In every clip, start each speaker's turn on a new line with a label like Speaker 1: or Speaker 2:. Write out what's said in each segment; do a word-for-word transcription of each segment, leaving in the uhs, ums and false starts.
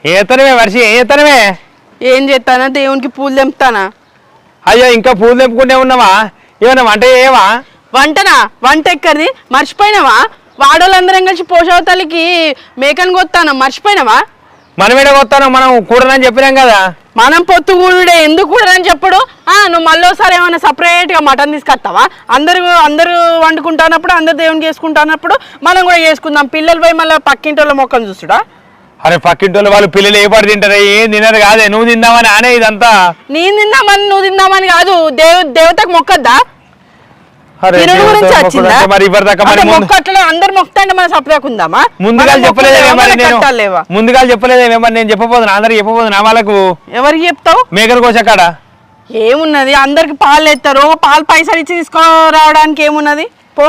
Speaker 1: ఏతనమే వర్షి ఏతనమే
Speaker 2: ఏం చేస్తానా దేవునికి పూలు తెంపుతానా.
Speaker 1: అయ్యో ఇంకా పూలు తెంపుకుంటే ఉన్నావా? ఏమన్నా వంట చేయవా?
Speaker 2: వంటనా? వంట ఎక్కడిది మర్చిపోయినావా? వాడోళ్ళందరం కలిసి పోషవతలికి మేకను కొత్తాను మర్చిపోయినావా?
Speaker 1: మనమేడ కొత్తాను, మనం కూడనని చెప్పినాం కదా.
Speaker 2: మనం పొత్తు కూడుడే ఎందుకు కూడదని చెప్పడు. ఆ నువ్వు మళ్ళీసారి ఏమైనా సపరేట్గా మటన్ తీసుకొస్తావా? అందరు అందరూ వండుకుంటున్నప్పుడు అందరు దేవునికి చేసుకుంటున్నప్పుడు మనం కూడా చేసుకుందాం. పిల్లలు పోయి మళ్ళీ పక్కింటి వాళ్ళ మొక్కను చూస్తుడా?
Speaker 1: అరే పక్కింటి వాళ్ళు పిల్లలు ఏ పాటు తింటారా? ఏం తినరు కాదే, నువ్వు తిందామని ఆనే ఇదంతా.
Speaker 2: నేను తిందామని నువ్వు తిందామని కాదు, దేవ దేవతకు మొక్కద్దా? అందరు మొక్కుతాంటే మన సపరేకుందామా?
Speaker 1: ముందుగా చెప్పలేదేమో, ముందుగా చెప్పలేదేమో. నేను చెప్పబోతున్నా, అందరికి చెప్పబోతున్నా. వాళ్ళకు
Speaker 2: ఎవరికి చెప్తావు?
Speaker 1: మేకలు కోసక్కడ
Speaker 2: ఏమున్నది, అందరికి పాలు ఎత్తారు, పాలు పైసలు ఇచ్చి తీసుకురావడానికి ఏమున్నది? పో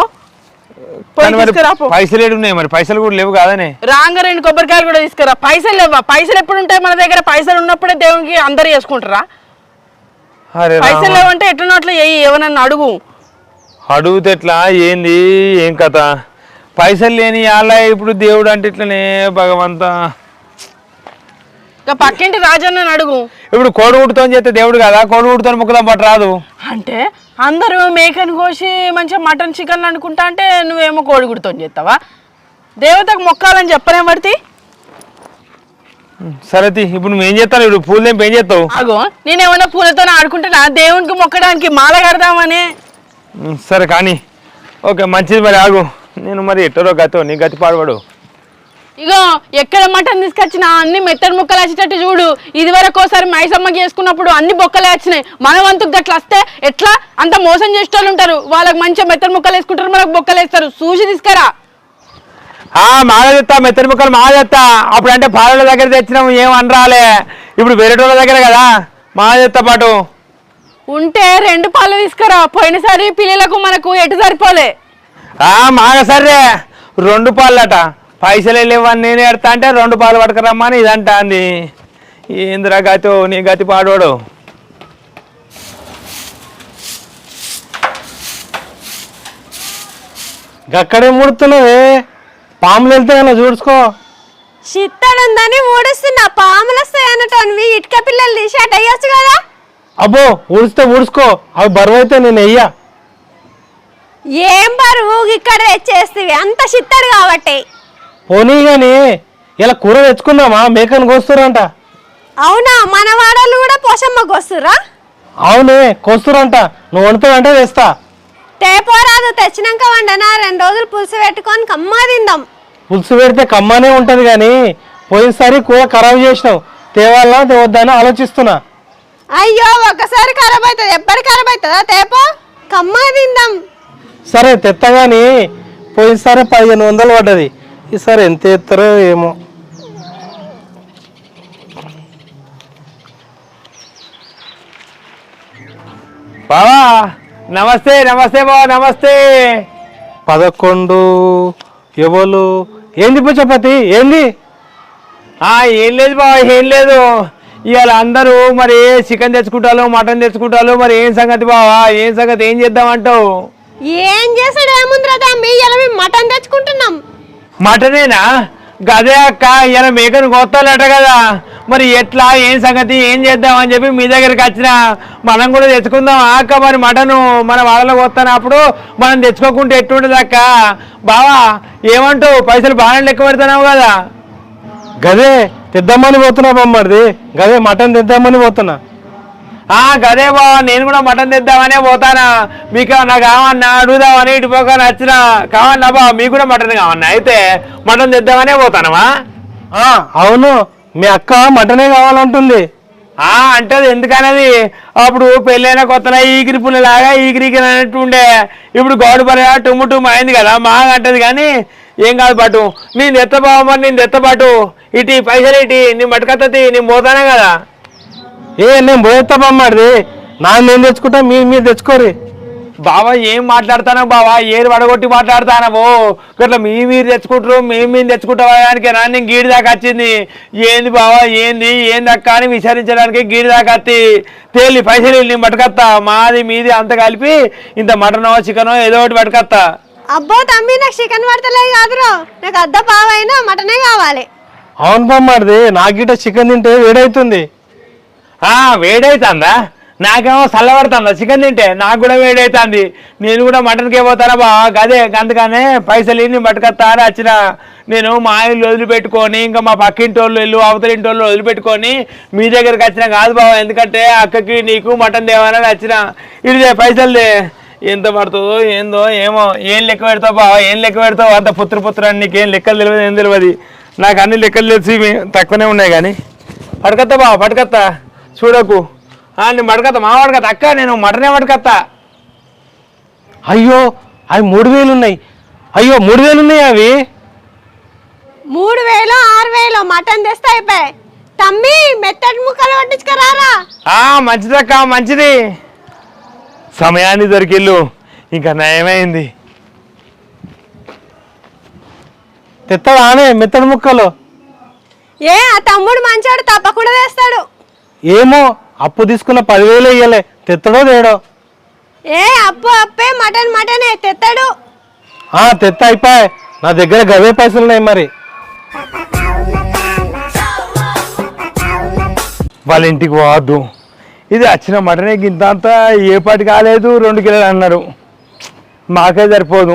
Speaker 1: పైసలు ఏడు ఉన్నాయి, మరి పైసలు కూడా లేవు కాదనే.
Speaker 2: రాంగ రెండు కొబ్బరికాయలు కూడా తీసుకురా. పైసలు లేవా? పైసలు ఎప్పుడు ఉంటాయి మన దగ్గర? పైసలు ఉన్నప్పుడే దేవునికి అందరు చేసుకుంటారా? పైసలు లేవంటే ఎట్లనో అట్లా ఏమన్నా అడుగు.
Speaker 1: అడుగుతే ఎట్లా? ఏంది ఏం కథ? పైసలు లేని అలా ఇప్పుడు దేవుడు అంటే ఇట్లనే భగవంత.
Speaker 2: పక్కింటి రాజన్న అడుగు.
Speaker 1: ఇప్పుడు కోడిగుడ్డుతో చేస్తే దేవుడు కదా, కోడిగుడ్డుతో ముక్కదాం పట్టు రాదు
Speaker 2: అంటే అందరూ మేకను కోసి మంచిగా మటన్ చికెన్ అనుకుంటా అంటే నువ్వేమో కోడిగుడ్డుతో చేస్తావా? దేవతకు మొక్కాలని చెప్పనే పడితే
Speaker 1: సరే ఇప్పుడు నువ్వేం చేస్తావు? ఇప్పుడు పూలు తెంపి ఏం చేస్తావు?
Speaker 2: అగో నేనేమన్నా పూలతో ఆడుకుంటున్నా, దేవునికి మొక్కడానికి మాల కడదామని.
Speaker 1: సరే కానీ ఓకే మంచిది. మరి ఆగు, నేను మరి ఎట్టరో గతో నీ గతి పాడబడు.
Speaker 2: ఇగో ఎక్కడ మటన్ తీసుకొచ్చినా అన్ని మెత్తడి ముక్కలు వచ్చేటట్టు చూడు. ఇది వరకు ఒకసారి మైసమ్మకి చేసుకున్నప్పుడు అన్ని బొక్కలే వచ్చినాయి. మన వంతుకు గట్ల వస్తే ఎట్లా? అంత మోసం చేసేటోళ్ళు ఉంటారు, వాళ్ళకి మంచిగా మెత్తడి ముక్కలు వేసుకుంటారు, మనకు బొక్కలు వేస్తారు. చూసి తీసుకురా.
Speaker 1: మాల తెస్తా, మెత్తడి ముక్కలు మాల తెస్తా. అప్పుడు అంటే పాలల దగ్గర తెచ్చినాము ఏం అనరాలే, ఇప్పుడు వేరేటోళ్ళ దగ్గర కదా మాల తెస్తా పాటు.
Speaker 2: ఉంటే రెండు పాలు తీసుకురా. పోయినసారి పిల్లలకు మనకు ఎటు సరిపోలే.
Speaker 1: మాగ సరే రెండు పాలట, పైసలు లేవని నేను ఎడతా అంటే రెండు పాలు పట్టుకురమ్మని ఇదంటా అంది. ఏందిరా గతో నీ గతి పాడోడు.
Speaker 3: గక్కడే ముడుతున్నావే, పాములు వెళ్తే అలా చూసుకో.
Speaker 4: చిత్తడుందని ఊడుస్తున్నా, పాములు వస్తాయి అన్నట్టు ఇటుక పిల్లలు తీసి అటు అయ్యొచ్చు కదా.
Speaker 3: అబ్బో ఊడిస్తే ఊడుసుకో, అవి బరువు అయితే నేను వెయ్యా.
Speaker 4: ఏం బరువు ఇక్కడ తెచ్చేస్తేవి, అంత చిత్తడు కాబట్టి.
Speaker 3: పోనీ గాని ఇలా కూర తెచ్చుకుందామా? మేకను కోస్తురంట.
Speaker 4: అవునా? మన వాడలు కూడా పోషమ్మ కోస్తురా?
Speaker 3: అవునే కోస్తురంట. నువ్వు వండుతావంటే తెస్తా.
Speaker 4: తేపోరాదు, తెచ్చినాక వండనా రెండు రోజులు పులుసు పెట్టుకొని కమ్మా తిందాం.
Speaker 3: పులుసు పెడితే కమ్మానే ఉంటది గాని పోయినసారి కూర ఖరాబ్ చేసినావు, తేవాలా తేవద్దని ఆలోచిస్తున్నా.
Speaker 4: అయ్యో ఒకసారి ఖరాబ్ అవుతుంది, ఎప్పటి ఖరాబ్ అవుతుందా? తేపో కమ్మా తిందాం.
Speaker 3: సరే తెత్తగాని పోయినసారి పదిహేను వందలు పడ్డది, ఈసారి ఎంత ఎత్తారో ఏమో.
Speaker 1: బావా నమస్తే. నమస్తే బావా నమస్తే.
Speaker 3: పదకొండు ఎవరు? ఏంది పుచ్చపతి ఏంది?
Speaker 1: ఏం లేదు బావా, ఏం లేదు. ఇవాళ అందరూ మరి చికెన్ తెచ్చుకుంటారు, మటన్ తెచ్చుకుంటారు. మరి ఏం సంగతి బావా, ఏం సంగతి? ఏం చేద్దామంటావు?
Speaker 4: ఏం చేసాడు ఏముందిరా తమ్మి, ఇలా మేము మటన్ తెచ్చుకుంటున్నాం.
Speaker 1: మటనేనా? గదే అక్క, ఇలా మేకను కొత్తాలట కదా. మరి ఎట్లా ఏం సంగతి ఏం చేద్దామని చెప్పి మీ దగ్గరికి వచ్చిన. మనం కూడా తెచ్చుకుందాం అక్క. మరి మటను మన వాళ్ళలో కొత్తనప్పుడు మనం తెచ్చుకోకుంటే ఎట్టుండదు అక్క. బావా ఏమంటావు? పైసలు బాగానే లెక్క పెడుతున్నావు కదా.
Speaker 3: గదే తెద్దామని పోతున్నా బొమ్మడిది, గదే మటన్ తెద్దామని పోతున్నా.
Speaker 1: గదే బావా, నేను కూడా మటన్ తెద్దామనే పోతానా. మీకు నాకు కావన్నా అడుగుదామని ఇటు పోక నచ్చిన కావన్నా బావ, మీకు కూడా మటన్ కావన్నా. అయితే మటన్ తెద్దామనే పోతానమా?
Speaker 3: అవును, మీ అక్క మటనే కావాలంటుంది.
Speaker 1: అంటే ఎందుకనేది, అప్పుడు పెళ్ళైన కొత్తలో ఈగిరి పుల్లలాగా ఈగిరికి అన్నట్టు ఉండే. ఇప్పుడు గోడు పర టుమ్ము టుమ్ము అయింది కదా, మాగా అంటది. కానీ ఏం కాదు పాటు, నేను తెత్తబావ. మరి నేను తెత్తపాటు ఇటు పైసలు ఇటు నీ మటుకత్తది, నేను పోతానే కదా.
Speaker 3: ఏ నేను పోయేస్తా బొమ్మడిది, నా నేను తెచ్చుకుంటా, మీరు మీరు తెచ్చుకోరి.
Speaker 1: బావా ఏం మాట్లాడతానో బావా, ఏరు వడగొట్టి మాట్లాడతానవో. ఇట్లా మీ మీరు తెచ్చుకుంటారు, మేము మేము తెచ్చుకుంటానికి రా. నేను గీడి దాకా వచ్చింది. ఏంది బావా ఏంది ఏంది అక్క అని విచారించడానికి గీడి దాకా వత్తి తేలి పైసలు నేను పట్టుకొత్తా. మాది మీది అంత కలిపి ఇంత మటనో చికెనో ఏదో ఒకటి పట్టుకొత్తా.
Speaker 4: అబ్బో తమ్మి, నాకు చికెన్ పడతలే కాదురో, నాకు అద్ద పావైనా మటనే కావాలి.
Speaker 3: అవును బామ్మది నాకు గిట్ట చికెన్ తింటే వేడవుతుంది.
Speaker 1: ఆ వేడైతుందా? నాకేమో చల్లబడుతుందా చికెన్ తింటే? నాకు కూడా వేడైతుంది. నేను కూడా మటన్కే పోతానా బా, గదే అందుకనే పైసలు ఇన్ని పట్టుకొస్తా అని వచ్చిన. నేను మా ఇల్లు వదిలిపెట్టుకొని ఇంకా మా పక్కింటి వాళ్ళు ఇల్లు అవతలింటి వాళ్ళు వదిలిపెట్టుకొని మీ దగ్గరికి వచ్చిన కాదు బావ. ఎందుకంటే అక్కకి నీకు మటన్ తేవాలని వచ్చిన. ఇదే పైసలుదే ఎంత పడుతుందో ఏందో ఏమో. ఏం లెక్క పెడతావు బావ, ఏం లెక్క పెడతావు? అంత పుత్ర పుత్ర అని నీకేం లెక్కలు తెలియదు, ఏం తెలియదు. నాకు అన్ని లెక్కలు తెలిసి తక్కువనే ఉన్నాయి కానీ పట్టుకొస్తా బావ, పట్టుకొస్తా. చూడకు నేను పట్టుకొస్తా, మా పట్టుకొస్తా. అక్క నేను మటనే పట్టుకొస్తా.
Speaker 3: అయ్యో అవి మూడు వేలు ఉన్నాయి. అయ్యో మూడు వేలు ఉన్నాయి అవి.
Speaker 4: మూడు వేలు ఆరు వేలు మటన్ తెస్తే అయిపోయాయి. తమ్మి మెత్తటి ముక్కలు పట్టించుకురారా.
Speaker 1: మంచిదక్క మంచిది. సమయాన్ని దొరికిల్లు ఇంకా నయమైంది.
Speaker 3: తెస్తాడానే మెత్తడి ముక్కలు?
Speaker 4: ఏ ఆ తమ్ముడు మంచోడు తప్పకుండా తెస్తాడు.
Speaker 3: ఏమో అప్పు తీసుకున్న పదివేలు ఇయ్యలే, తెత్తడో తేడో.
Speaker 4: ఏ అప్పు అప్పే మటన్ మటనే తెస్తాడు.
Speaker 3: ఆ తెత్త అయిపోయి నా దగ్గర గవే పైసలు ఉన్నాయి. మరి
Speaker 1: వాళ్ళ ఇంటికి పోవద్దు. ఇది వచ్చిన మటనే గింత అంతా ఏ పాటి కాలేదు, రెండు కిలోలు అన్నారు. మాకే సరిపోదు.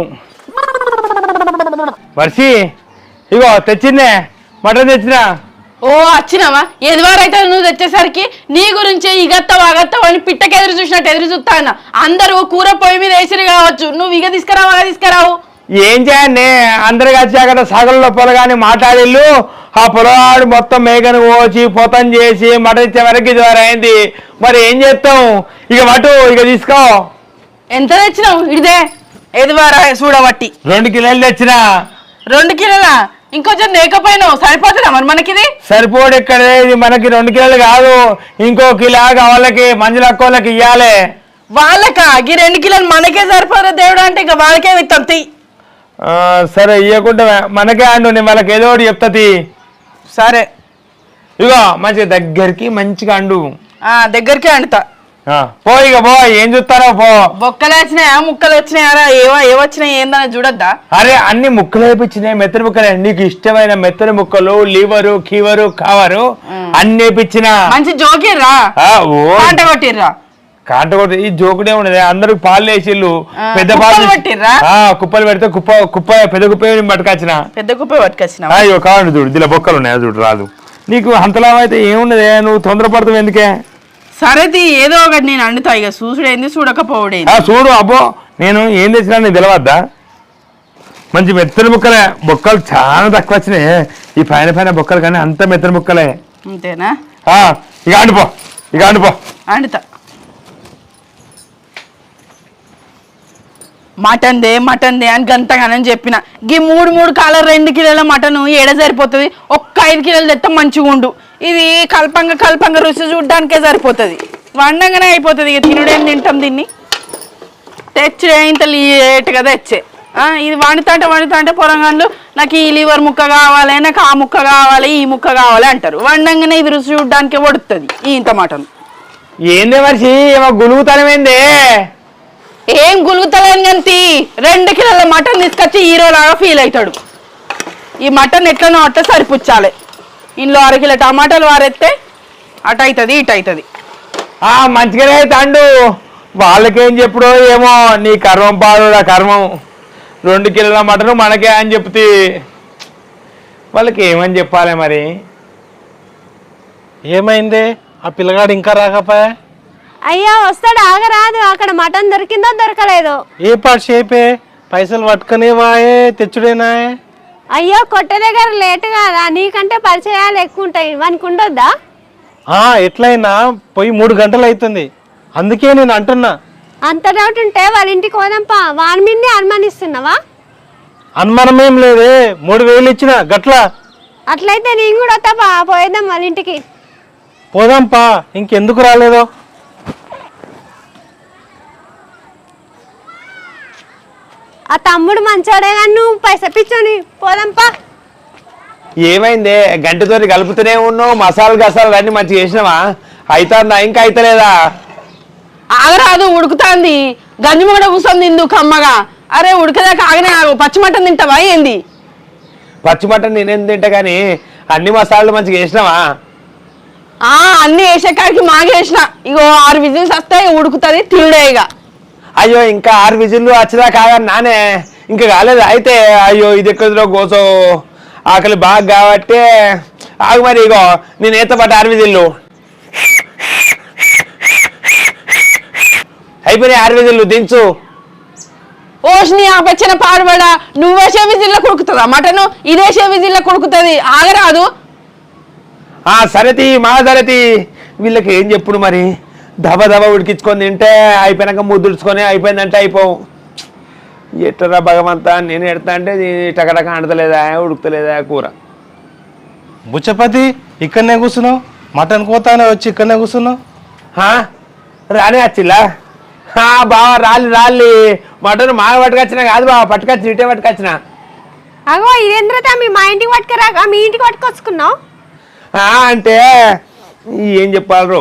Speaker 1: వర్షి ఇగో తెచ్చిందే మటన్ తెచ్చినా.
Speaker 2: ఓ వచ్చినావా? ఎదువారైతే నువ్వు తెచ్చేసరికి నీ గురించి ఇగత్తావు అగత్తావు అని పిట్టకి ఎదురు చూసినట్టు ఎదురు చూస్తా అన్న. అందరూ కూర పొయ్యి మీద వేసిరు కావచ్చు, నువ్వు ఇక తీసుకురావు అలా తీసుకురావు.
Speaker 1: ఏం చేయండి, అందరు వచ్చాక సగంలో పొలగాని మాట్లాడిల్లు. ఆ పొలగాడు మొత్తం మేకను కోసి పొతం చేసి మటన్ ఇచ్చే వరకు ఇది వరకు అయింది. మరి ఏం చేస్తాం? ఇక మటు ఇక తీసుకో.
Speaker 2: ఎంత తెచ్చినావు? ఇదే ఎదువారా చూడబట్టి
Speaker 1: రెండు కిలోలు తెచ్చినా.
Speaker 2: రెండు కిలోలా? ఇంకొంచెం లేకపోయినావు, సరిపోతుందా మరి మనకిది?
Speaker 1: సరిపోడు ఇక్కడ, ఇది మనకి రెండు కిలోలు కాదు, ఇంకో కిలో వాళ్ళకి మంజుల అక్కోళ్ళకి ఇవ్వాలి.
Speaker 2: వాళ్ళకా? ఈ రెండు కిలోలు మనకే సరిపోదు దేవుడు అంటే ఇక వాళ్ళకే విత్తం తీ.
Speaker 1: సరే ఇవ్వకుండా మనకే అండు, నేను వాళ్ళకి ఏదో ఒకటి చెప్తాది.
Speaker 2: సరే
Speaker 1: ఇగో మంచిగా దగ్గరికి మంచిగా అండు.
Speaker 2: దగ్గరికే అండుతా.
Speaker 1: పో ఇక పో, ఏం చూస్తారో పో.
Speaker 2: బొక్కలు వచ్చినాయా ముక్కలు వచ్చినాయారా? ఏవో ఏవచ్చినాయి ఏందని చూడద్దా?
Speaker 1: అరే అన్ని ముక్కలు వేపించినాయి, మెత్తని ముక్కలే. నీకు ఇష్టమైన మెత్తని ముక్కలు, లివరు కీవరు కావరు అన్ని వేపించిన.
Speaker 2: మంచి జోకిర్రా, కాంట కొట్టిర్రా.
Speaker 1: కాంట కొట్టి ఈ జోకుడే ఉండదు. అందరికి పాలు వేసిళ్ళు, పెద్ద పాలు
Speaker 2: పట్టిర్రా.
Speaker 1: కుప్పలు పెడితే కుప్ప కుప్ప పెద్ద కుప్ప పట్టుకొచ్చిన.
Speaker 2: పెద్ద కుప్ప పట్టుకొచ్చిన.
Speaker 1: అయ్యో కావండి చూడు, దీనిలో బొక్కలు ఉన్నాయి చూడు. రాదు నీకు అంతలాభం అయితే ఏమున్నదే, నువ్వు తొందరపడతావు ఎందుకే?
Speaker 2: సరేది ఏదో ఒకటి నేను అండుతా. ఇక చూసుడైంది చూడకపోవడేంది.
Speaker 1: చూడు అబ్బో, నేను ఏం తెచ్చినా నీకు తెలవద్దా? మంచి మెత్తని ముక్కలే, బొక్కలు చాలా తక్కువ వచ్చినాయి. ఈ పైన పైన బొక్కలు కానీ అంత మెత్తని ముక్కలే.
Speaker 2: అంతేనా?
Speaker 1: ఇక అండిపో, ఇక అండిపో.
Speaker 2: అండుతా. మటన్ దే మటన్ దే అని గంతగానని చెప్పిన. గీ మూడు మూడు కాల రెండు కిలోల మటన్ ఏడ సరిపోతుంది? ఒక్క ఐదు కిలోలు తెత్తే మంచిగా ఉండు. ఇది కల్పంగా కల్పంగా రుచి చూడడానికే సరిపోతుంది, వండంగానే అయిపోతుంది. ఇక తినుడేం తింటాం దీన్ని? తెచ్చే ఇంత లేట్గా తెచ్చే. ఇది వండుతా అంటే వండుతా అంటే పొరంగాళ్ళు నాకు ఈ లివర్ ముక్క కావాలి, నాకు ఆ ముక్క కావాలి, ఈ ముక్క కావాలి అంటారు. వండంగానే ఇది రుచి చూడడానికే వడుతుంది ఈ ఇంత మటన్.
Speaker 1: ఏందే మనిషి ఏమో గులుగుతనమేందే?
Speaker 2: ఏం గులుగుతలేని గంతి రెండు కిలోల మటన్ తీసుకొచ్చి హీరో లాగా ఫీల్ అవుతాడు. ఈ మటన్ ఎట్లనో అట్ట సరిపుచ్చాలి. ఇంట్లో అర కిలో టమాటాలు వారెత్తే అటు అవుతుంది ఇటు అవుతుంది.
Speaker 1: మంచిగానే తండు, వాళ్ళకేం చెప్పుడో ఏమో. నీ కర్మం పాడు ఆ కర్మం. రెండు కిలోల మటన్ మనకే అని చెప్తే వాళ్ళకి ఏమని చెప్పాలి మరి?
Speaker 3: ఏమైంది? ఆ పిల్లగాడు ఇంకా రాకపోయా?
Speaker 4: అయ్యా వస్తాడు, ఆగరాదు. అక్కడ మటన్ దొరికిందో దొరకలేదో.
Speaker 3: ఏ పాటు షేపే, పైసలు పట్టుకునే వాయే తెచ్చుడేనా?
Speaker 4: అయ్యో కొట్ట దగ్గర లేట్ కాదా? నీకంటే పరిచయాలు ఎక్కువ ఉంటాయి, వానికి ఉండొద్దా?
Speaker 3: ఎట్లయినా పోయి మూడు గంటలు అవుతుంది, అందుకే నేను అంటున్నా.
Speaker 4: అంత డౌట్ ఉంటే వాళ్ళ ఇంటికి పోదాంపా. వాని మీదనే అనుమానిస్తున్నావా?
Speaker 3: అనుమానం ఏం లేదే, మూడు వేలు ఇచ్చిన గట్లా.
Speaker 4: అట్లయితే నేను కూడా వస్తాపా, పోయేద్దాం వాళ్ళ ఇంటికి.
Speaker 3: పోదాంపా, ఇంకెందుకు రాలేదో?
Speaker 4: ఆ తమ్ముడు మంచోడే కానీ నువ్వు పైసా పిచ్చోని. పోదాంపా.
Speaker 1: ఏమైందే? గంటతో కలుపుతూనే ఉన్నావు, మసాలా గసాలు అన్ని మంచిగా చేసినావా? అవుతుందా ఇంకా అయితలేదా?
Speaker 2: ఆగరాదు, ఉడుకుతాంది. గంజి కూడా కూర్చొని తిందు కమ్మగా. అరే ఉడకదాకా ఆగనే ఆగు. పచ్చి మటన్ తింటావా ఏంది?
Speaker 1: పచ్చి మటన్ నేనేం తింటా కానీ అన్ని మసాలాలు మంచిగా వేసినావా?
Speaker 2: ఆ అన్ని వేసే కాడికి మాగేసిన ఇగో ఆరు విజిల్స్ వస్తాయి ఉడుకుతుంది తిరుడే ఇక.
Speaker 1: అయ్యో ఇంకా ఆరు విజిల్లు వచ్చినా కాదని నానే ఇంకా కాలేదు. అయితే అయ్యో ఇది ఎక్కడిలో గోసో ఆకలి బాగా కాబట్టి ఆగు మరి. ఇగో నేను ఏత పట్ట ఆరు విజిల్లు అయిపోయినాయి. ఆరు విజిల్లు దించు.
Speaker 2: ఓష్ని ఆపచ్చిన పాడుబడా నువ్వేసే విజిల్లో కొడుకుతుందా మటను? ఇదేసే విజిల్లో కొడుకుతుంది ఆగరాదు.
Speaker 1: ఆ సరేతి మా సరేతి వీళ్ళకి ఏం చెప్పుడు మరి. దబ దబ ఉడికించుకొని తింటే అయిపోయినాక ముద్దుడుచుకొని అయిపోయిందంటే అయిపోవు. ఎట్టరా భగవంతా నేను ఎడతా అంటే టకటక అంటలేదా ఉడుకుతలేదా కూర.
Speaker 3: బుచ్చపతి ఇక్కడనే కూర్చున్నావు, మటన్ కోతానే వచ్చి ఇక్కడనే కూర్చున్నావు.
Speaker 1: రానే వచ్చిల్లా? బావ రాలి రాలి మటన్ మాగ పట్టుకొచ్చినా కాదు బావ, పట్టుకొచ్చి ఇటే పట్టుకొచ్చిన.
Speaker 4: అగో ఇదేంద్ర తమ్మి మా ఇంటికి పట్టుకురాక మీ ఇంటికి పట్టుకొచ్చుకున్నావు
Speaker 1: అంటే ఏం చెప్పాలరు?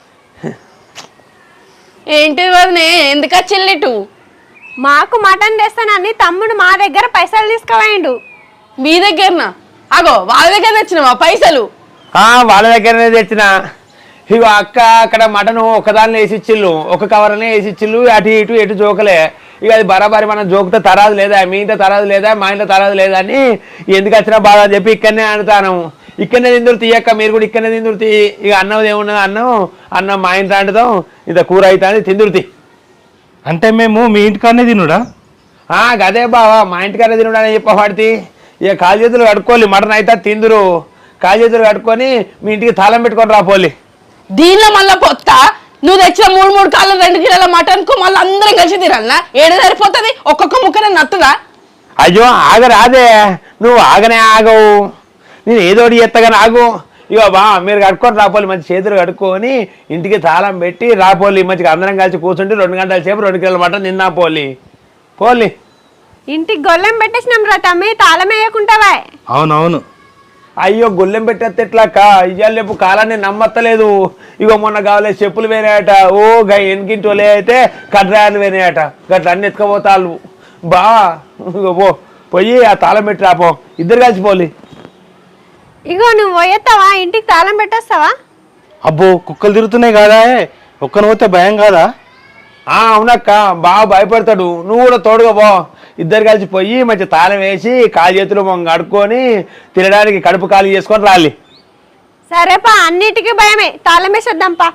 Speaker 2: ఏంటి వదినే ఎందుకు వచ్చిల్లిటు?
Speaker 4: మాకు మటన్ తెస్తానని తమ్ముడు మా దగ్గర పైసలు తీసుకుపోయిండు.
Speaker 2: మీ దగ్గరనా? అగో వాళ్ళ దగ్గర తెచ్చినవా పైసలు?
Speaker 1: వాళ్ళ దగ్గరనే తెచ్చిన. ఇగో అక్క అక్కడ మటను ఒకదాన్ని వేసి ఇచ్చిళ్ళు, ఒక కవర్నే వేసి ఇచ్చిళ్ళు. అటు ఇటు ఎటు జోకలే. ఇక అది బరాబరి మనం జోకితే తరాదు లేదా, మీ ఇంట్లో తరాదు లేదా, మా ఇంట్లో తరాదు లేదా అని ఎందుకు వచ్చినా బాగా అని చెప్పి ఇక్కడనే అనుతాను. ఇక్కడనే తిందురు తీయక్క, మీరు కూడా ఇక్కడనే తిందురు తీ. ఇక అన్నం ఏమున్నది అన్నం అన్నం మా ఇంట్లో అంటుదాం, ఇంత కూర అవుతుంది తిందురు తీ.
Speaker 3: అంటే మేము మీ ఇంటికాడనే తినుడా?
Speaker 1: గదే బావా మా ఇంటికాడనే తినుడా అని చెప్పవాడితే. ఇక కాలు చేతులు కడుక్కోవాలి, మటన్ అయితే తిందురు. కాలు చేతులు కడుక్కొని మీ ఇంటికి తాళం పెట్టుకొని రాపోలి.
Speaker 2: దీనిలో మళ్ళీ పొత్త నువ్వు తెచ్చిన మూడు మూడు కాళ్ళు రెండు కిలోల మటన్ కు మళ్ళీ అందరం కలిసి తినాలనా? ఏడు సరిపోతుంది ఒక్కొక్క ముక్కనే నత్తుదా?
Speaker 1: అయ్యో ఆగరాదే, నువ్వు ఆగనే ఆగవు. నేను ఏదోటి ఎత్తగానే ఆగు. ఇగో బా మీరు కట్టుకొని రాపోలి, మంచి చేతులు కడుక్కొని ఇంటికి తాళం పెట్టి రాపోలి. మంచిగా అందరం కలిసి కూర్చుంటే రెండు గంటల సేపు రెండు కిలోల మటన్ తిన్నా పోలి పోలి.
Speaker 4: ఇంటికి గొల్లెం పెట్టేసినాం రా తమ్మి, తాళం వేయకుంటావా?
Speaker 3: అవునవును.
Speaker 1: అయ్యో గొల్లెం పెట్టేస్తే ఎట్లాక? ఇయ్యాల రేపు కాలాన్ని నమ్మత్తలేదు. ఇగో మొన్న కావాలి చెప్పులు వేనాయట, ఓ గా ఎనికింటోలే అయితే కడ్రాయలు వేనాయట, గట్ల అన్ని ఎత్తుకపోతాళ్ళు. బా ఇగో పో పోయి ఆ తాళం పెట్టి రాపో, ఇద్దరు కలిసిపోలి.
Speaker 4: ఇగో నువ్వు పోయేస్తావా? ఇంటికి తాళం పెట్టేస్తావా?
Speaker 3: అబ్బో కుక్కలు తిరుగుతున్నాయి కాదా, ఒక్కను పోతే భయం కాదా?
Speaker 1: అవునక్క బాగా భయపడతాడు, నువ్వు కూడా తోడుగా పో. ఇద్దరు కలిసి పోయి మంచి తాళం వేసి కాలు చేతులు మొంగ కడుక్కొని తినడానికి కడుపు ఖాళీ చేసుకొని రాలి.
Speaker 4: సరేపా, అన్నిటికీ భయమే, తాళం వేసేద్దాంపా.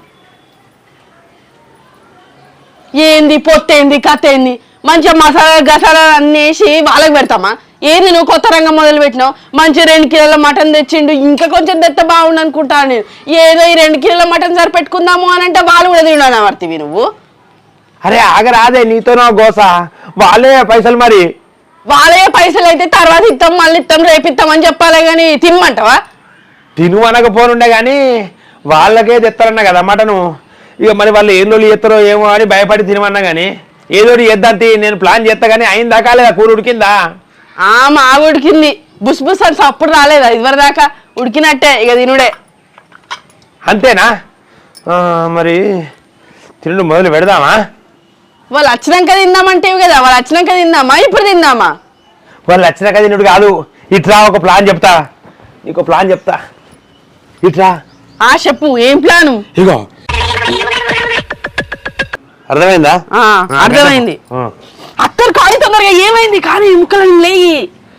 Speaker 2: ఏంది పొత్తేంది కథ ఏంది? మంచిగా మసాలా గసాలా అన్ని వేసి వాళ్ళకి పెడతామా? ఏంది నువ్వు కొత్త రంగం మొదలు పెట్టినావు? మంచి రెండు కిలోల మటన్ తెచ్చిండు, ఇంకా కొంచెం తెత్త బాగుండు అనుకుంటాను నేను. ఏదో ఈ రెండు కిలోల మటన్ సరిపెట్టుకుందాము అని అంటే వాళ్ళు కూడా తిన్నాను వర్తివి నువ్వు.
Speaker 1: అరే ఆగరాదే, నీతోనో గోస. వాళ్ళే పైసలు మరి.
Speaker 2: వాళ్ళే పైసలు అయితే తర్వాత ఇస్తాం మళ్ళీ ఇస్తాం రేపు ఇస్తాం అని చెప్పాలి కానీ తినమంటావా?
Speaker 1: తిను అనకపోనుండే కానీ వాళ్ళకే తెస్తారన్నా కదా మటను. ఇక మరి వాళ్ళు ఏం రోజులు చేస్తారో ఏమో అని భయపడి తినమన్నా కానీ ఏదోటి చేద్దాంతి నేను ప్లాన్ చేస్తా కానీ అయిందా కాలేదా? కూర ఉడికిందా?
Speaker 2: ఆ మా ఉడికింది, బుస్ బుస్ అని అప్పుడు రాలేదా ఇదివర దాకా? ఉడికినట్టే ఇక తినుడే.
Speaker 1: అంతేనా? మరి తినడం మొదలు పెడదామా?
Speaker 2: వాళ్ళు వచ్చినాక తిందామంటే కదా, వాళ్ళు వచ్చినాక తిందామా ఇప్పుడు తిందామా?
Speaker 1: వాళ్ళు వచ్చినాక తినుడు కాదు, ఇట్రా ఒక ప్లాన్ చెప్తా నీకు, ప్లాన్ చెప్తా ఇట్రా.
Speaker 2: ఆ చెప్పు ఏం ప్లాను?
Speaker 1: ఇగో అర్థమైందా?
Speaker 2: అర్థమైంది. అక్కడ కాదు తొందరగా ఏమైంది కానీ ముక్కలు లేయి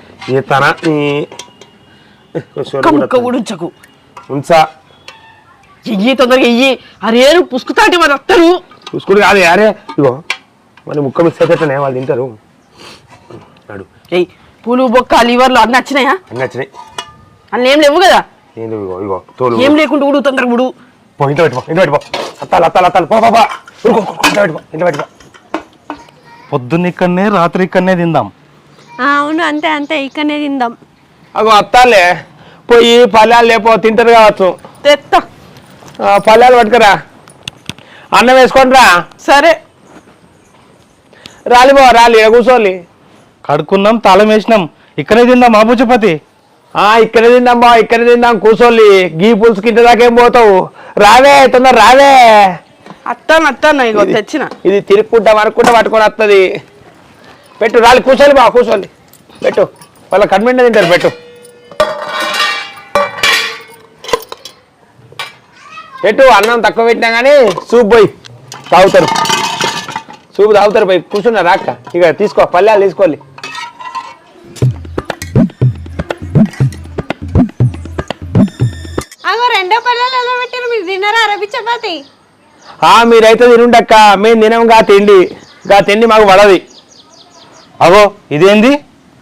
Speaker 2: ఉంచకు
Speaker 1: ఉంచా
Speaker 2: ఎయ్యి తొందరగా ఎయ్యి. అరే పుసుకుతాంటి మరి వస్తారు.
Speaker 1: పుసుకుడు కాదు అరే, ఇగో మళ్ళీ ముక్క మిస్ అయితే వాళ్ళు తింటారు. అడు
Speaker 2: ఎయ్ పూలు బొక్క లివర్లు అన్నీ వచ్చినాయా?
Speaker 1: అన్నీ వచ్చినాయి.
Speaker 2: అన్నీ ఏం లేవు కదా?
Speaker 1: ఇగో ఇగో తోలు
Speaker 2: ఏం లేకుండా ఉడు తొందరగా ఉడు.
Speaker 1: పో ఇంట్లో పెట్టుకో, ఇంట్లో పెట్టుకో. అత్తాలు అత్తాలు అత్తాలు పో పో ఇంట్లో పెట్టుకో, ఇంట్లో పెట్టుకో.
Speaker 3: పొద్దున్న ఇక్కడనే రాత్రి ఇక్కడనే తిందాం.
Speaker 4: అవును అంతే అంతే, ఇక్కడనే తిందాం.
Speaker 1: అగో అత్తాలే పోయి పల్లెలు లేపో, తింటారు కావచ్చు.
Speaker 2: తెత్తా
Speaker 1: పల్లెలు పట్టుకురా, అన్నం వేసుకోండి రా.
Speaker 2: సరే
Speaker 1: రాలి బో రాలి కూర్చోలి.
Speaker 3: కడుక్కున్నాం తాళం వేసినాం, ఇక్కడే తిందాం. మా బుచ్చపతి
Speaker 1: ఇక్కడ తిందాం బా, ఇక్కడ తిందాం కూర్చోలి. గీ పులుసుకి ఇంటి దాకేం పోతావు? రావే తొందర రావే.
Speaker 2: అత్తాను అత్తాను ఇగో తెచ్చిన.
Speaker 1: ఇది తిరుక్కుంటా వరక్కుంటా పట్టుకొని వస్తుంది. పెట్టు రాలి కూర్చోలి బా, కూర్చోలి పెట్టు. వాళ్ళ కన్వెంట్ తింటారు పెట్టు. ఎటు అన్నం తక్కువ పెట్టినా కానీ సూప్ పోయి తాగుతారు, సూప్ తాగుతారు పోయి కూర్చున్నారా అక్క? ఇక తీసుకో పల్లెలు తీసుకోవాలి.
Speaker 4: అగో రెండో పల్లెలు ఎలా పెట్టారు మీరు తిన్నారా అరబి చపాతి?
Speaker 1: మీరైతే తినుండక్క, మేము తినం గా తిండి, గా తిండి మాకు పడది.
Speaker 3: అగో ఇదేంది?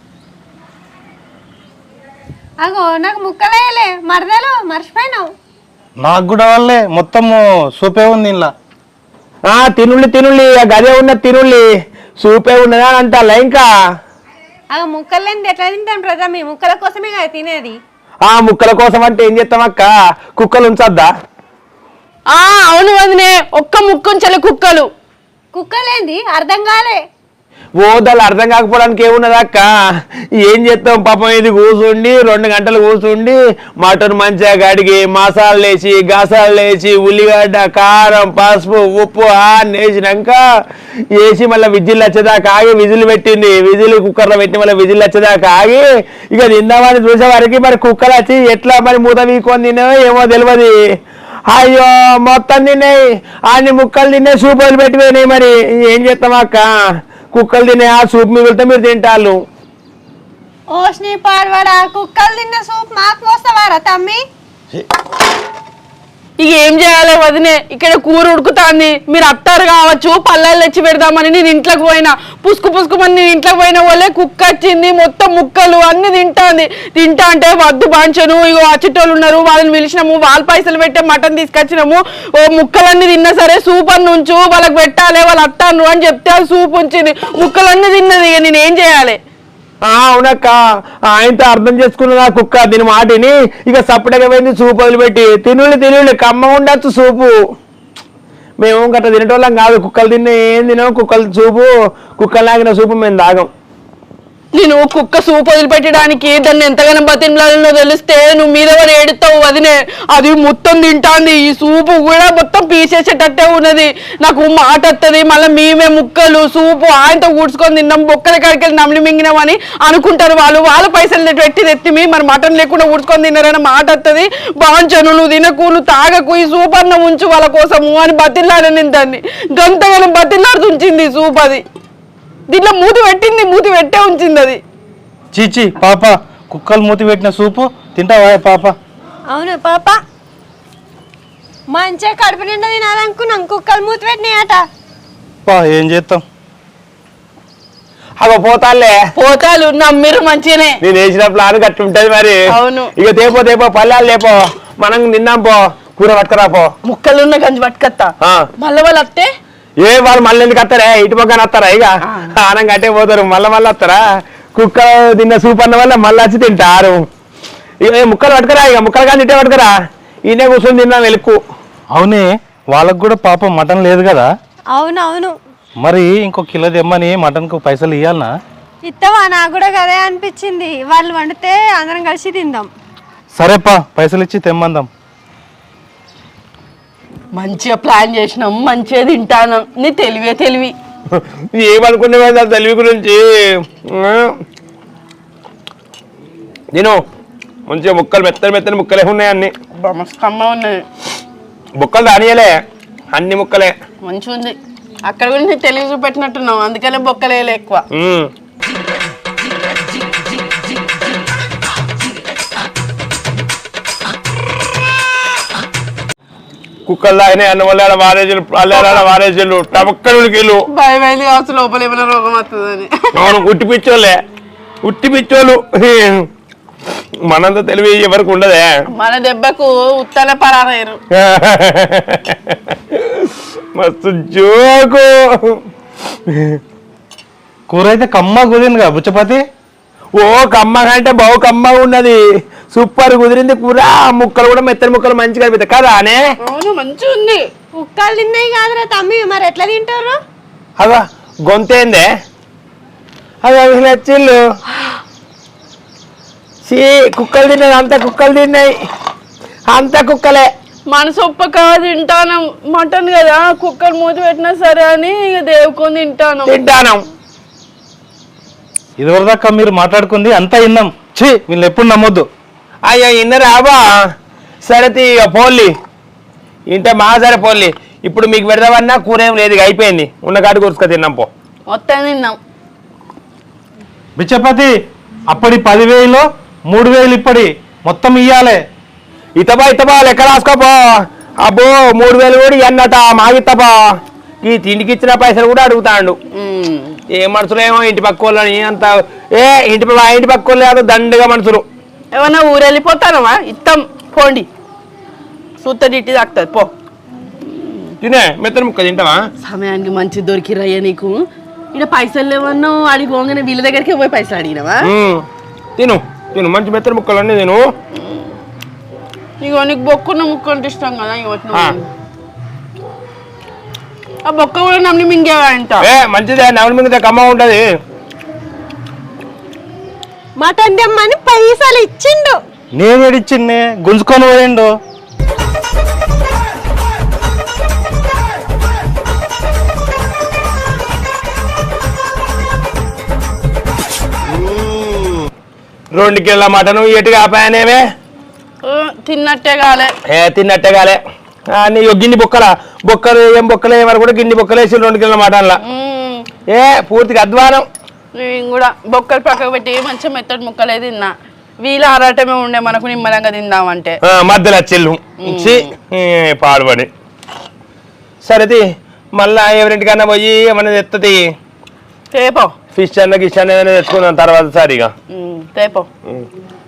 Speaker 4: అగో నాకు ముక్కలేయలే మరదలు మర్చిపోయినావు.
Speaker 3: నాకు కూడా వాళ్ళే మొత్తం సూపే ఉంది ఇలా.
Speaker 1: తినుళ్ళి తినుళ్ళి గదే ఉన్న తినుళ్ళి సూపే ఉన్నదా అని అంటారా ఇంకా?
Speaker 4: అగో ముక్కలు లేనిది ఎట్లా తింటాం ప్రజా? మీ ముక్కల కోసమే కదా తినేది.
Speaker 1: ఆ ముక్కల కోసం అంటే ఏం చేస్తాం అక్క? కుక్కలు ఉంచద్దా?
Speaker 2: ఆ అవును వదినే, ఒక్క ముక్కుంచలే కుక్కలు.
Speaker 4: కుక్కలేంది అర్థం కాలే.
Speaker 1: ఓదాలు అర్థం కాకపోవడానికి ఏమున్నదా అక్క? ఏం చేస్తాం పాపం, ఇది కూర్చుండి రెండు గంటలు కూర్చుండి మటన్ మంచిగా కడిగి మసాలాలు వేసి గసాలు వేసి ఉల్లిగడ్డ కారం పసుపు ఉప్పు అన్నీ వేసినాక వేసి మళ్ళీ విజిల్ వచ్చేదాకా ఆగి విజిల్ పెట్టింది, విజిల్ కుక్కర్లో పెట్టి మళ్ళీ విజిల్ వచ్చేదాకా ఆగి ఇక తిందామని చూసేవారికి మరి కుక్కలు వచ్చి ఎట్లా మరి మూత వీకొని తిన్నాయో ఏమో తెలియదు. అయ్యో మొత్తం తిన్నాయి, అన్ని ముక్కలు తిన్నాయి, సూప్ వదిలిపెట్టిపోయినాయి. మరి ఏం చేస్తాం అక్క? కుక్కలు తినే ఆ సూప్ మిగిలితే మీరు తింటారు.
Speaker 4: ఓష్ని పాడవాడా, కుక్కలు తిన్న సూప్ మాకు పోస్తావారా తమ్మి?
Speaker 2: ఇక ఏం చేయాలి వదినే, ఇక్కడ కూర ఉడుకుతాంది, మీరు అత్తారు కావచ్చు పల్లెలు తెచ్చి పెడదామని నేను ఇంట్లోకి పోయినా, పుసుకు పుసుకుమని నేను ఇంట్లోకి పోయిన వాళ్ళే కుక్క వచ్చింది, మొత్తం ముక్కలు అన్ని తింటాంది. తింటా అంటే వద్దు బాంచను, ఇగో అచ్చిటోళ్ళు ఉన్నారు వాళ్ళని పిలిచినాము, వాళ్ళ పైసలు పెట్టే మటన్ తీసుకొచ్చినాము, ఓ ముక్కలన్నీ తిన్నా సరే సూప్ అన్ని ఉంచు వాళ్ళకి పెట్టాలి వాళ్ళు అత్తాను అని చెప్తే అది సూప్ ఉంచింది, ముక్కలన్నీ తిన్నది. ఇక నేను ఏం చేయాలి?
Speaker 1: అవునక్క, ఆయనతో అర్థం చేసుకున్నదా కుక్క దీని మాటిని ఇక సపరేట్గా పోయింది సూప్ వదిలిపెట్టి. తినుళ్ళు తినుళ్ళు కమ్మ ఉండొచ్చు సూపు. మేము గట్ట తినేటోళ్ళం కాదు, కుక్కలు తిన్న ఏం తినాం, కుక్కలు సూపు కుక్కలు లాగిన సూపు మేము తాగం.
Speaker 2: నేను కుక్క సూప్ వదిలిపెట్టడానికి దాన్ని ఎంతగానో బతిమలాలో తెలిస్తే నువ్వు మీద వాడు ఏడుతావు వదినే. అది మొత్తం తింటాంది, ఈ సూపు కూడా మొత్తం పీసేసేటట్టే ఉన్నది. నాకు మాట వస్తుంది మళ్ళీ మేమే ముక్కలు సూపు ఆయనతో కూర్చుకొని తిన్నాం, బొక్కల కాడికి నమిలి మింగినామని అనుకుంటారు వాళ్ళు. వాళ్ళ పైసలు పెట్టి తెత్తిమి మరి మటన్ లేకుండా కూర్చుకొని తిన్నారని మాట వస్తుంది. బాంచను నువ్వు తినకు, నువ్వు తాగకు, ఈ సూప్ అన్న ఉంచు వాళ్ళ కోసము అని బతిలాడని నేను దాన్ని గంతగానో బతిలాడుతూ ఉంచింది ఈ సూప్. అది దీంట్లో మూతి పెట్టింది, మూతి పెట్టే ఉంచింది అది.
Speaker 3: చీచి పాప, కుక్కలు మూతి పెట్టిన సూపు తింటావా పాప?
Speaker 4: అవును పాప, మంచిగా కడుపు నిండా తినాలనుకున్నాం, కుక్కలు మూతి పెట్టినాయట.
Speaker 3: ఏం చేస్తాం?
Speaker 1: అగో పోతాలే
Speaker 2: పోతాలు నమ్మిరు మంచిగానే,
Speaker 1: నేను వేసిన ప్లాన్ గట్టి ఉంటది మరి.
Speaker 2: అవును
Speaker 1: ఇక తేపో తేపో పల్లెలు లేపో, మనం తిన్నాం పో, కూర పట్టుకురా పో.
Speaker 2: ముక్కలున్న గంజి పట్టుకత్తా మళ్ళీ వాళ్ళు వస్తే
Speaker 1: ఏ వాళ్ళు మళ్ళీ ఎందుకు వస్తారా? ఇటు పక్కన వస్తారా? ఇక ఆనం కట్టే పోతారు, మళ్ళీ మళ్ళీ వస్తారా? కుక్క తిన్న సూప్ అన్న వల్ల మళ్ళీ వచ్చి తింటారు. ఇక ముక్కలు పట్టుకురా, ఇక ముక్కలు కానీ ఇటే పట్టుకురా, ఈయనే కూర్చొని తిన్నా వెలుక్కు.
Speaker 3: అవునే, వాళ్ళకు కూడా పాపం మటన్ లేదు కదా?
Speaker 4: అవునవును,
Speaker 3: మరి ఇంకో కిలో తెమ్మని మటన్కు పైసలు ఇవ్వాలనా?
Speaker 4: ఇస్తావా? నాకు కూడా అదే అనిపించింది, వాళ్ళు వండితే అందరం కలిసి తిందాం.
Speaker 3: సరేపా, పైసలు ఇచ్చి తెమ్మందాం.
Speaker 2: మంచిగా ప్లాన్ చేసినాం, మంచిగా తింటాను. నీ తెలివే తెలివి.
Speaker 1: ఏమనుకునే తెలివి గురించి నేను మంచిగా ముక్కలు మెత్తని మెత్తని ముక్కలే ఉన్నాయి, అన్ని
Speaker 2: మస్తమ్మ ఉన్నది.
Speaker 1: ముక్కలు రానియలే, అన్ని ముక్కలే
Speaker 2: మంచిగా ఉంది. అక్కడ కూడా నీ తెలివి చూపెట్టినట్టున్నావు, అందుకనే బొక్కలేలే ఎక్కువ.
Speaker 1: కుక్కలు తాగినాయి అన్న వల్ల వారేజీలు అల్లాడ వారేజీలు టమక్కడులు
Speaker 2: భయం అయింది కావచ్చు లోపల ఏమైనా రోగం వస్తుందని.
Speaker 1: అవును, ఉట్టి పిచ్చోళ్ళే, ఉట్టి పిచ్చోళ్ళు. మనంత తెలివి ఎవరికి ఉండదే,
Speaker 2: మన దెబ్బకు ఉత్తల పరారయ్యారు.
Speaker 1: మస్తు జోకు.
Speaker 3: కూర అయితే కమ్మ కుదిరింది కదా బుచ్చపతి?
Speaker 1: ఓ కమ్మగా అంటే బావు కమ్మగా ఉన్నది, సూపర్ కుదిరింది కూర. ముక్కలు కూడా మెత్తని ముక్కలు మంచిగా అనిపిస్తాయి కదా అనే?
Speaker 2: అవును మంచిగా ఉంది.
Speaker 4: కుక్కలు తిన్నాయి కాదురా తమ్మి, మరి ఎట్లా తింటారు?
Speaker 1: అదా గొంతేందే అది నచ్చిళ్ళు. సీ కుక్కలు తిన్నాయి, అంత కుక్కలు తిన్నాయి, అంత కుక్కలే.
Speaker 2: మనసు ఒప్పక తింటాను మటన్ కదా, కుక్కర్ మూతి పెట్టినా సరే అని ఇక దేవుకొని తింటాను
Speaker 1: తింటాను.
Speaker 3: ఇదివరదాకా మీరు మాట్లాడుకుంది అంతా విన్నాం. ఛీ, వీళ్ళు ఎప్పుడు నమ్మొద్దు.
Speaker 1: అయ్యా ఇన్నరాబా, సరే ఇక పోన్లి, ఇంటే మా సరే పోల్లి ఇప్పుడు మీకు పెడదామన్నా కూర ఏం లేదు ఇక అయిపోయింది ఉన్న కాడి కూర్చుక తిన్నాం పో
Speaker 2: మొత్తం తిన్నాం.
Speaker 3: బిచ్చపతి అప్పటి పదివేలు మూడు వేలు ఇప్పటి మొత్తం ఇయ్యాలే.
Speaker 1: ఇతబా ఇతబా లెక్క రాసుకోపో. అబ్బో మూడు వేలు కూడా అన్నట మాగిత్తబా. ఈ తిండికి ఇచ్చిన పైసలు కూడా అడుగుతాడు.
Speaker 2: ఉమ్.
Speaker 1: ఏ మనుషులు ఏమో ఇంటి పక్క వాళ్ళని అంత ఏ ఇంటి మా ఇంటి పక్క వాళ్ళు కాదు దండగా మనుషులు.
Speaker 2: ఏమన్నా ఊరు వెళ్ళిపోతానవా? ఇత్తం పోండి, సూత ఇట్టి తాకుతుంది పో.
Speaker 1: తినే మెత్తని ముక్క తింటావా?
Speaker 2: సమయానికి మంచి దొరికిరయ్యా నీకు. ఇక్కడ పైసలు లేవన్నా అడిగి పోగానే వీళ్ళ దగ్గరికి పోయి పైసలు అడిగినవా?
Speaker 1: తిను తిను మంచి మెత్తని ముక్కలు అన్నీ తిను.
Speaker 2: ఇగో నీకు బొక్కున్న ముక్క అంటే ఇష్టం కదా. ఇగో ఆ బొక్క కూడా నమ్మి మింగేవా అంట.
Speaker 1: ఏ మంచిదే నవలి మింగితే కమ్మ ఉంటది.
Speaker 4: మటన్ తెమ్మని పైసలు ఇచ్చిండు.
Speaker 3: నేను ఏడిచ్చిండే గుంజుకొని పోయిండు.
Speaker 1: రెండు కిలోల మటను ఎటు కాపాయనేమే
Speaker 2: తిన్నట్టే కాలే.
Speaker 1: ఏ తిన్నట్టే కాలే. నీ గిన్ని బొక్కల బొక్కలు ఏం బొక్కలు ఏమని కూడా గిన్ని బొక్కలు వేసి రెండు కిలోల మటన్ల ఏ పూర్తిగా అధ్వానం.
Speaker 2: నేను కూడా బొక్కలు పక్కకు పెట్టి మంచిగా మెత్తటి ముక్కలే తిన్నా. వీళ్ళ ఆరాటమే ఉండే మనకు నిమ్మలంగా తిందామంటే
Speaker 1: మధ్యలో చెల్లు పాడుపడి. సరేది మళ్ళా ఎవరింటికన్నా పోయి ఏమన్నా తెత్తది
Speaker 2: తేపో.
Speaker 1: ఫిష్ అన్న గిష్ అన్న తెచ్చుకుందాం తర్వాత సరిగా
Speaker 2: తేపో.